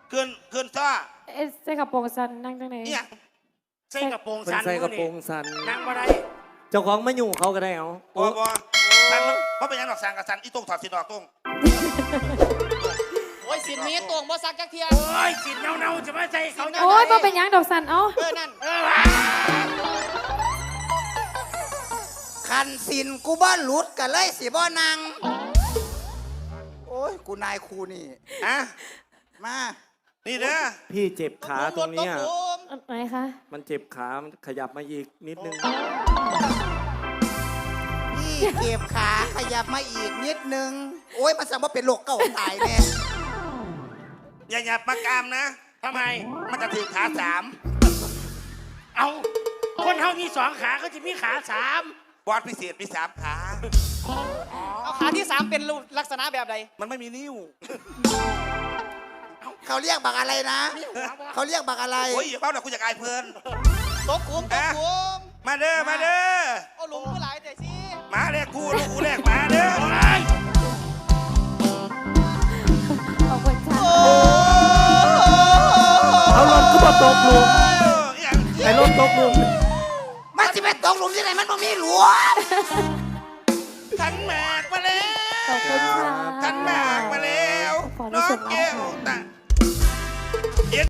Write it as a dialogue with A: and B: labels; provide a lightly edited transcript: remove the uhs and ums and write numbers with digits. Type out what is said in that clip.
A: ขึ้นซ้อ
B: ใส่กระโปรงสั้นนั่งจังไหน
A: เนี่ย
C: ใส่กระโปรงสัน
D: ใส่กระโปรงสัน
C: นั่งบ่ได้
D: เจ้าของไม่ยุ่งเขาก็ได้เอา
A: บ่สันเพราะเป็นยังดอกสันกับสันอีตรงถอดสินออกตรง
E: โอ้ยสินนี้ตวงบ่ซักจักเทีย
C: โอ้ยสินเน่าๆจะมาใส่เขา
B: โอ้ยบ่เป็นหยังดอกสันเอ้า
E: นั่น
F: คันสินกูบ้านหลุดกันเลยสิบ่นางโอ้ยกูนายครูนี่
A: อะ
F: มา
A: นี่เด้อ
D: พี่เจ็บขาตรงเนี้ย
B: ไหนคะ
D: มันเจ็บขามันขยับมาอีกนิดนึง
F: พี่เก็บขาขยับมาอีกนิดนึงโอ้ยมันสั่งว่าเป็นโรคเก่าตายแน่
A: อย่าหยับมากามนะ
C: ทำไม
A: มันจะถือขา3
C: เอาคนเฮามี2ขาเขาจะมีขา3
A: บอสพิเศษมี3ขา
E: เอาขาที่3เป็นลักษณะแบบใด
A: มันไม่มีนิ้ว
F: เขาเรียกบักอะไรนะ เขาเรียกบักอะไร
A: โอ้ยอย่าเบ้าหน่อยกูอยากอายเพลิน
E: ตกขุมตกขุม
A: มาเด้อมาเด้อ
E: เอาหลุมคือหลายแต่สิ
A: มาแรกกูแรกมาเด้อ
B: ขอบคุณค่ะ
D: เอารถก็มาตกหลุมไอ้รถตกหลุม
F: มันจะเป็นตกหลุมที่ไหนมันบ่มีหลวม
A: ขันหมากมาแล้ว
B: ขอบคุณค่ะ
A: ขันหมากมาแล้ว
B: ขอใน
A: น้อ
B: ส่ว
A: ง
B: น
A: แก้ว
B: ค่ะ
A: ตา